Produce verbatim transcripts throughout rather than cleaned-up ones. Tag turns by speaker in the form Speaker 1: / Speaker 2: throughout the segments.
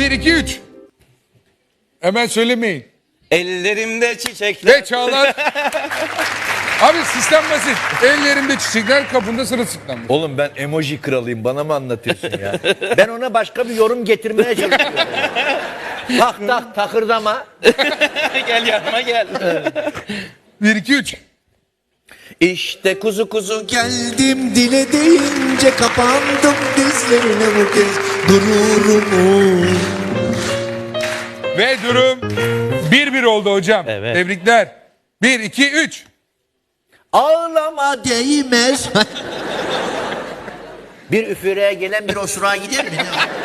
Speaker 1: Bir, iki, üç. Hemen söylemeyin.
Speaker 2: Ellerimde çiçekler.
Speaker 1: Ve Çağlar. Abi sistem basit. Ellerimde çiçekler, kapında sırılsıklam.
Speaker 3: Oğlum ben emoji kralıyım, bana mı anlatıyorsun ya? Ben ona başka bir yorum getirmeye çalışıyorum. Tak tak takırdama.
Speaker 2: Gel yanıma gel.
Speaker 1: Bir, iki, üç.
Speaker 3: İşte kuzu kuzu gel.
Speaker 4: Geldim dile deyince kapandım dizlerine bu kez dururum.
Speaker 1: Ve durum bir bir oldu hocam.
Speaker 2: Evet.
Speaker 1: Tebrikler. Bir, iki, üç.
Speaker 4: Ağlama değmez.
Speaker 3: Bir üfüreye gelen bir osurağa gider mi?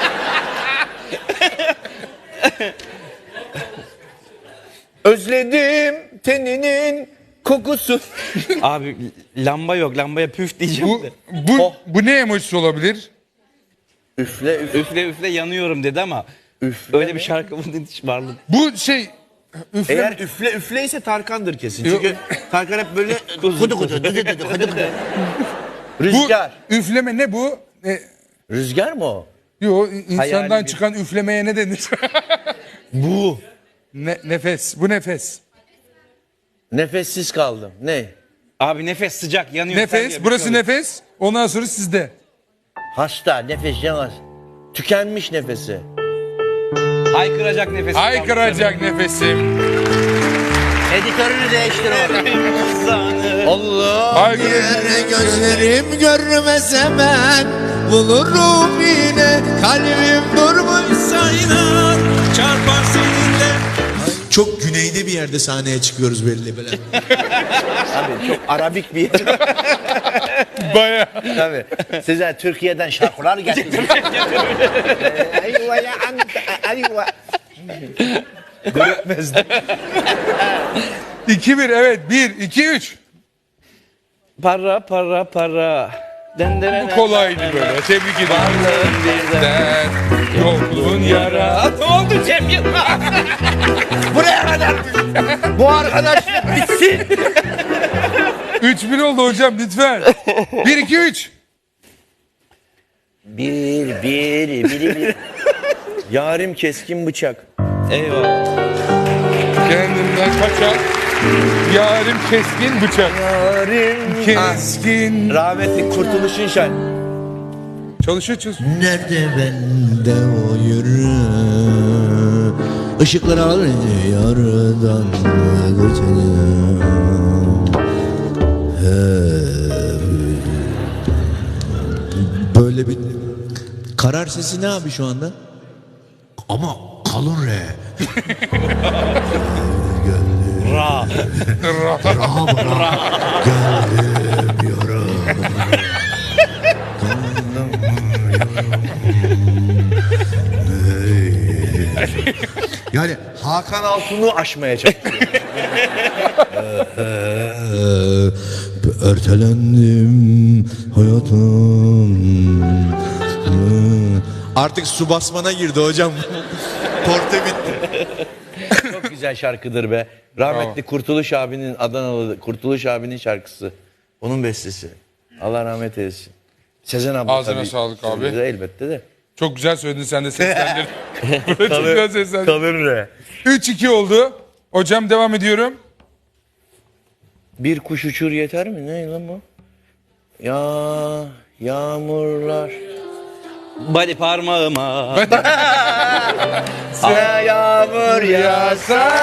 Speaker 3: Özledim teninin kokusu.
Speaker 2: Abi lamba yok. Lambaya püf diyeceğim
Speaker 1: Bu,
Speaker 2: de.
Speaker 1: bu,
Speaker 3: Oh.
Speaker 1: bu ne emojisi olabilir?
Speaker 3: Üfle üfle.
Speaker 2: Üfle üfle yanıyorum dedi ama
Speaker 3: Üfle
Speaker 2: öyle
Speaker 3: mi?
Speaker 2: bir şarkı bunun hiç varlık.
Speaker 1: Bu şey... Üfle...
Speaker 3: Eğer üfle üfle ise Tarkan'dır kesin.
Speaker 1: Yok.
Speaker 3: Çünkü Tarkan hep böyle kudu kudu kudu kudu kudu kudu.
Speaker 1: bu
Speaker 3: Rüzgar.
Speaker 1: üfleme ne bu? E,
Speaker 3: Rüzgar mı o?
Speaker 1: yo insandan
Speaker 2: Hayali bir-
Speaker 1: çıkan üflemeye ne denir?
Speaker 3: Bu.
Speaker 1: ne, nefes. Bu nefes.
Speaker 3: Nefessiz kaldım. Ne?
Speaker 2: Abi nefes sıcak yanıyor.
Speaker 1: Nefes.
Speaker 2: Sen
Speaker 1: Burası
Speaker 2: diye
Speaker 1: nefes. Ondan sonra sizde.
Speaker 3: Hasta, nefes yemez. Tükenmiş nefesi.
Speaker 2: Haykıracak nefes.
Speaker 1: Haykıracak nefesim.
Speaker 3: Editörünü değiştir oğlum. Allah.
Speaker 1: Haykıracak.
Speaker 4: Yere gözlerim görmez hemen bulurum yine kalbim durmuşsa inan çarpar seninle. Çok güneyde bir yerde sahneye çıkıyoruz belli böyle.
Speaker 3: Abi çok arabik bir yer.
Speaker 1: Baya.
Speaker 3: Tabii. Size Türkiye'den şarkılar getirdim. Eyvah ya anta, eyvah. Görmezdim.
Speaker 1: İki bir evet. Bir, iki, üç.
Speaker 2: Para para para. Den den
Speaker 1: Bu kolaydı böyle. Tebrik ederim.
Speaker 2: birden.
Speaker 1: Yokluğun yara.
Speaker 2: Ne oldu Cem Yılmaz?
Speaker 3: Buraya kadar. Bu arkadaşlık bitsin.
Speaker 1: Üç bir oldu hocam lütfen. Bir, iki, üç.
Speaker 3: Bir, bir, bir, bir. Yarim keskin bıçak.
Speaker 2: Eyvallah.
Speaker 1: Kendimden kaçan yarim keskin bıçak.
Speaker 3: Yarim
Speaker 1: Keskin.
Speaker 3: Rahmetli Kurtuluş'un şarkı.
Speaker 1: Çalışıyor çalışıyor.
Speaker 4: Nerede bende o yürü Işıklar alır yardan geçelim. Böyle bir karar sesi ne abi şu anda? Ama kalın re.
Speaker 2: Ra.
Speaker 4: Gelmiyorum. Yani
Speaker 3: Hakan Altun'u aşmaya çalışıyor.
Speaker 4: ertelendim hayatım. Artık su basmana girdi hocam. Porte bitti.
Speaker 3: Çok güzel şarkıdır be. Rahmetli Kurtuluş abinin Adanalı Kurtuluş abinin şarkısı. Onun bestesi. Allah rahmet eylesin. Sezen abla
Speaker 1: Ağzına
Speaker 3: tabii.
Speaker 1: sağlık abi.
Speaker 3: Söyledi elbette de.
Speaker 1: Çok güzel söyledin sen de seslendirdin. Çok güzel seslendirdin.
Speaker 3: Kalır re.
Speaker 1: Üç iki oldu. Hocam devam ediyorum.
Speaker 3: Bir kuş uçur yeter mi? Ne lan bu? Ya yağmurlar.
Speaker 2: Body parmağıma.
Speaker 3: Ya yağmur yağsa.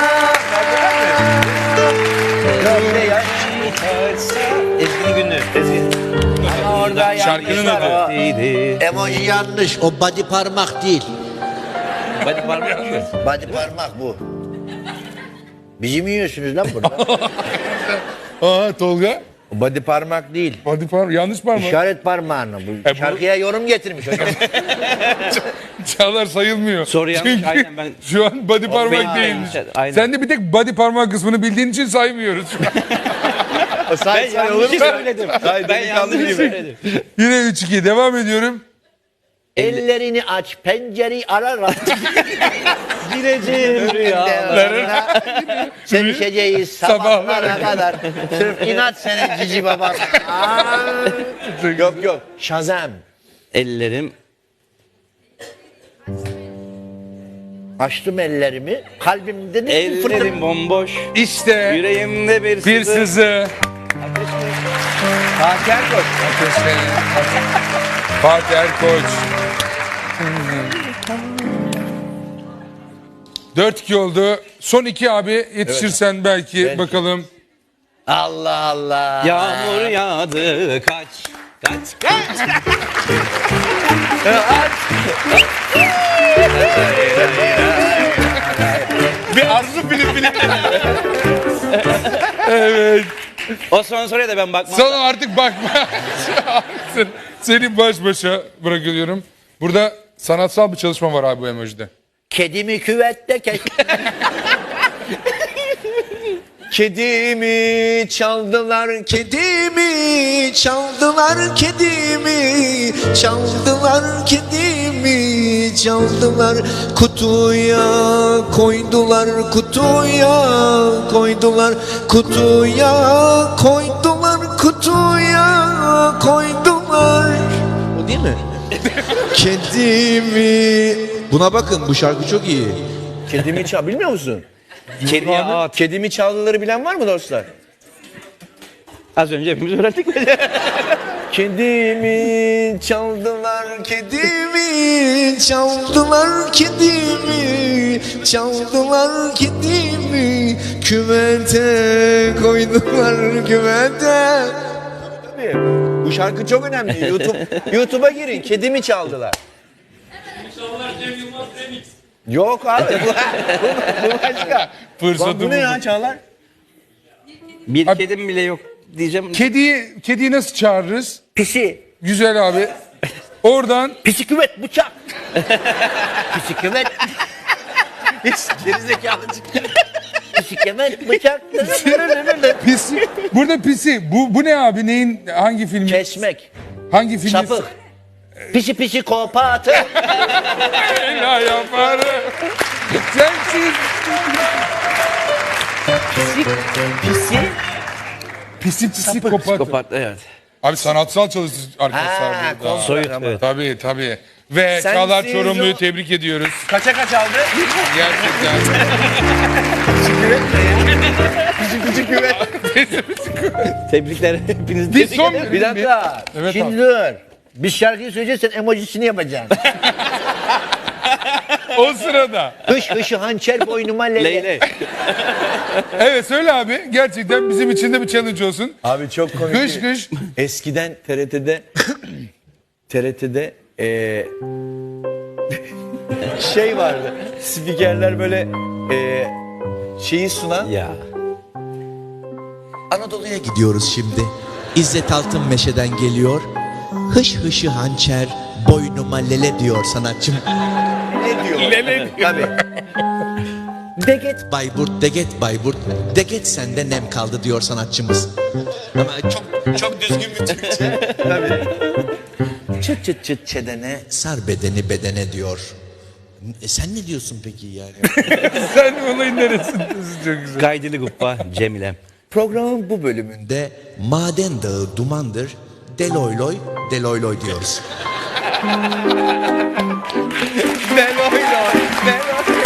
Speaker 3: Gözde yaş çıkarsa.
Speaker 2: Ezgi Günlü.
Speaker 3: Ezgi. Ama orada
Speaker 1: Şarkının
Speaker 3: yanlış var
Speaker 1: adı.
Speaker 3: o.
Speaker 2: Neydi?
Speaker 4: Emoji yanlış. O body parmak değil.
Speaker 2: Body parmak mı?
Speaker 3: Body parmak bu. Bizi mi yiyorsunuz lan burada?
Speaker 1: Aa Tolga.
Speaker 3: Body parmak değil.
Speaker 1: Body parmak. Yanlış parmak.
Speaker 3: İşaret parmağını. Bu
Speaker 1: E bu-
Speaker 3: şarkıya yorum getirmiş hocam.
Speaker 1: Çağlar sayılmıyor.
Speaker 2: Soru yanlış,
Speaker 1: Çünkü
Speaker 2: aynen ben-
Speaker 1: şu an body parmak
Speaker 2: benim-
Speaker 1: değilmiş.
Speaker 2: aynen.
Speaker 1: Sen de bir tek body parmak kısmını bildiğin için saymıyoruz.
Speaker 2: Ben yanlış söyledim. Ben yanlış söyledim.
Speaker 1: Yine üç iki devam ediyorum.
Speaker 3: Ellerini aç, pencereyi arar.
Speaker 2: Gireceğim rüyalarına.
Speaker 3: Sevişeceğiz sabahlara kadar. Sırf inat seni cici baba. Yok yok. Shazam.
Speaker 2: Ellerim.
Speaker 3: Açtım ellerimi. Kalbimde de bir fırtına.
Speaker 2: Ellerim bomboş.
Speaker 1: İşte
Speaker 2: Yüreğimde bir
Speaker 1: bir
Speaker 2: sızı.
Speaker 1: sızı.
Speaker 3: Fatih Erkoç.
Speaker 1: Fatih Erkoç. Dört iki oldu. Son iki abi yetişirsen belki,
Speaker 3: Belki.
Speaker 1: bakalım.
Speaker 3: Allah Allah.
Speaker 2: Yağmur yağdı kaç. Kaç kaç.
Speaker 3: Bir arzu film film.
Speaker 2: O son soruya da ben bakmam.
Speaker 1: Sana artık bakma. Sen- Seni baş başa bırakıyorum. Burada sanatsal bir çalışma var abi bu emojide.
Speaker 3: Kedimi küvette kes. Kedimi çaldılar, kedimi çaldılar, kedimi çaldılar, kedimi çaldılar, kutuya koydular, kutuya koydular, kutuya koydular, kutuya koydular. O değil mi? Kedimi. Buna bakın, bu şarkı çok iyi. Kedimi çal, bilmiyor musun?
Speaker 2: Kediye at.
Speaker 3: Kedimi çaldıları bilen var mı dostlar?
Speaker 2: Az önce hepimiz öğrendik mi?
Speaker 3: Kedimi çaldılar, kedimi çaldılar, kedimi çaldılar, kedimi küvete koydular, küvete. Tabii, bu şarkı çok önemli. YouTube YouTube'a girin. Kedimi çaldılar. Yok abi. Bu, bu, bu başka.
Speaker 1: Fırsatı
Speaker 3: Bu ne ya
Speaker 1: buldum.
Speaker 3: Çağlar?
Speaker 2: Bir
Speaker 1: Abi-
Speaker 2: kedim bile yok diyeceğim.
Speaker 1: Kediyi, kediyi nasıl çağırırız?
Speaker 3: Pisi.
Speaker 1: Güzel abi. Oradan
Speaker 3: Pisi küvet bıçak. Pisi küvet. Gerizekalı çıktı. Pisi küvet bıçak.
Speaker 1: pisi. Burada pisi. Bu bu ne abi? Neyin, hangi filmin?
Speaker 3: Kesmek.
Speaker 1: Hangi filmin?
Speaker 3: Sapık. Pisi pisi kopatı.
Speaker 1: Ya yaparım. Sensiz.
Speaker 3: Pisi.
Speaker 1: Pisi pisi kopat.
Speaker 2: Psikopat evet.
Speaker 1: Abi sanatsal çalıştı arkadaşlar
Speaker 3: Ha,
Speaker 1: burada.
Speaker 3: konser
Speaker 2: Soyut
Speaker 3: ama.
Speaker 2: evet.
Speaker 1: Tabii tabii. Ve
Speaker 3: Sensiz
Speaker 1: Çağlar Çorumlu'yu
Speaker 3: o-
Speaker 1: tebrik ediyoruz.
Speaker 3: Kaça kaç aldı?
Speaker 1: Gerçekten.
Speaker 3: Pisi küvet.
Speaker 2: Tebrikler hepiniz.
Speaker 1: Bir son
Speaker 3: Bir dakika.
Speaker 1: Evet
Speaker 3: Şimdi
Speaker 1: abi.
Speaker 3: dur. Biz şarkıyı söyleyeceğiz, sen emojisini yapacaksın.
Speaker 1: O sırada.
Speaker 3: Hış hışı hançer boynuma lele.
Speaker 2: Leyle.
Speaker 1: Evet söyle abi. Gerçekten bizim için de bir challenge olsun.
Speaker 3: Abi çok komik.
Speaker 1: Kış kış.
Speaker 3: Eskiden T R T'de T R T'de eee şey vardı. Spikerler böyle eee şeyi sunan.
Speaker 2: Ya.
Speaker 4: Anadolu'ya gidiyoruz şimdi. İzzet Altın Meşe'den geliyor. Hış hışı hançer boynuma lele diyor sanatçım.
Speaker 3: Ne diyor?
Speaker 1: Lele diyor.
Speaker 3: Tabii.
Speaker 4: Deget Bayburt, Deget Bayburt, Deget sende nem kaldı diyor sanatçımız. Ama çok çok düzgün bir Türkçe.
Speaker 3: Tabii.
Speaker 4: Çıt çıt çıt çedene, sar bedeni bedene diyor. E sen ne diyorsun peki yani?
Speaker 1: Sen olayın neresindesin? Çok güzel.
Speaker 2: Gaydili Guppa Cemilem.
Speaker 4: Programın bu bölümünde maden dağı dumandır, deloyloy, deloyloy diyoruz.
Speaker 3: Deloy loy, deloy.